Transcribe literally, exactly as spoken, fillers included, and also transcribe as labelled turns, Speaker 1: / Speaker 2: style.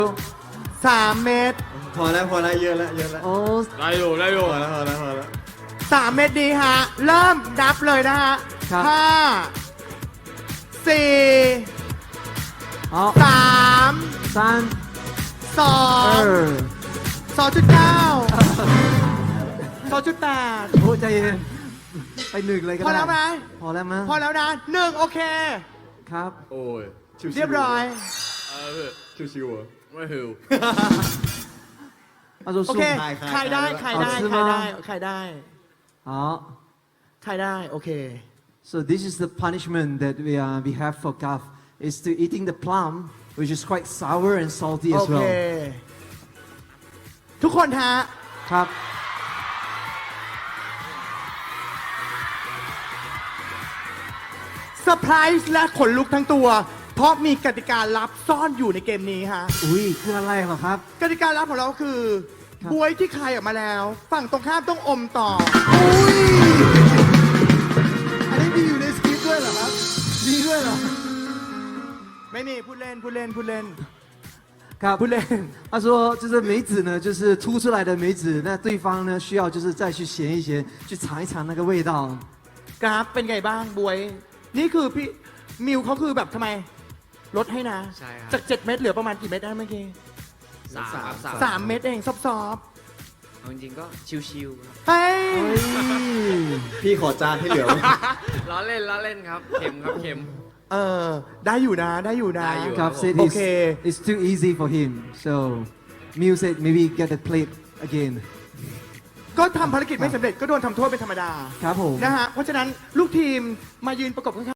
Speaker 1: สามเม็ด
Speaker 2: พอแล้วพอแล้วเยอะแล้วเยอะแล้ว
Speaker 3: โอ้
Speaker 4: ได้อยู่ได้อยู่
Speaker 2: พอแล้วพอแล้วพอแล้ว
Speaker 1: สามเม็ดดีฮะ เริ่มนับเลยนะฮะ
Speaker 3: ครับ
Speaker 1: ห้าสี่
Speaker 3: 好
Speaker 1: สาม
Speaker 3: 三
Speaker 1: สอง
Speaker 3: 二
Speaker 1: สองจุดเก้าสองจุดแปด
Speaker 3: โอ้ใจเย็นไปหนึ่งเลยก็
Speaker 1: พอ
Speaker 3: ได้
Speaker 1: แล้วไหม
Speaker 3: พอแล้วมั้ย
Speaker 1: พอแล้วนะหนึ่งโอเค
Speaker 3: ครับ
Speaker 2: โอ้ยชิวๆ
Speaker 1: เรียบร้อย
Speaker 4: เออ
Speaker 2: ชิวๆเหรอ
Speaker 4: ไม่หิว
Speaker 3: 他说
Speaker 1: โอเค
Speaker 2: ใครใคร
Speaker 1: ใครได้ ใครได้
Speaker 3: เอาซื้อ
Speaker 1: ใคร
Speaker 3: มา
Speaker 1: ได้ ใครได้
Speaker 3: 好
Speaker 1: ใครได้ โอเค
Speaker 3: so this is the punishment that we uh, we have for Gav is to eating the plum which is quite sour and salty
Speaker 1: โอ
Speaker 3: as
Speaker 1: เค
Speaker 3: well
Speaker 1: ทุกคนฮะ
Speaker 3: ครับ
Speaker 1: เซอร์ไพรส์และขนลุกทั้งตัว เพราะมีกติกาลับซ่อนอยู่ในเกมนี้ฮะ
Speaker 3: อุ้ยคืออะไรเหรอครับ
Speaker 1: กติกาลับของเราคือ
Speaker 3: ครับ
Speaker 1: บวยที่คายออกมาแล้ว ฝั่งตรงข้ามต้องอมต่อ
Speaker 3: อันนี้มีอยู่ในสคริปต์ด้วยเหรอครับมีด้วยเหรอ
Speaker 1: ไม่มีพูดเล่นพูดเล่นพูดเล่น
Speaker 3: ครับ
Speaker 1: พูดเล่น
Speaker 3: 他说，就是梅子呢，就是凸出来的梅子，那对方呢需要就是再去咸一咸，去尝一尝那个味道。
Speaker 1: กราฟเป็นไงบ้างบวย นี่คือพี่มิวเขาคือแบบทำไม ลดให้นะ
Speaker 4: ใช่ครับ
Speaker 1: จากเจ็ดเม็ดเหลือประมาณกี่เม็ดได้เมื่อกี้
Speaker 4: สามครับสาม
Speaker 1: สามเม็ดเองซอฟ
Speaker 4: เอาจริงๆก็ชิวๆครับ
Speaker 1: ๆเฮ้ย
Speaker 2: พี่ขอจานที่เหลือไว้
Speaker 4: ล้อเล่นล้อเล่นครับ เค็มครับเค็ม
Speaker 1: เออ ได้อยู่นะ ได้อยู่นะ
Speaker 4: ได้อยู่
Speaker 3: Gav said it's,
Speaker 1: Okay.
Speaker 3: it's too easy for him, so Mew said maybe get the plate again.
Speaker 1: ก็ทำภารกิจไม่สำเร็จก็โดนทำโทษเป็นธรรมดา
Speaker 3: ครับผม
Speaker 1: นะฮะ เพราะฉะนั้นลูกทีมมายืนประกบข้างๆ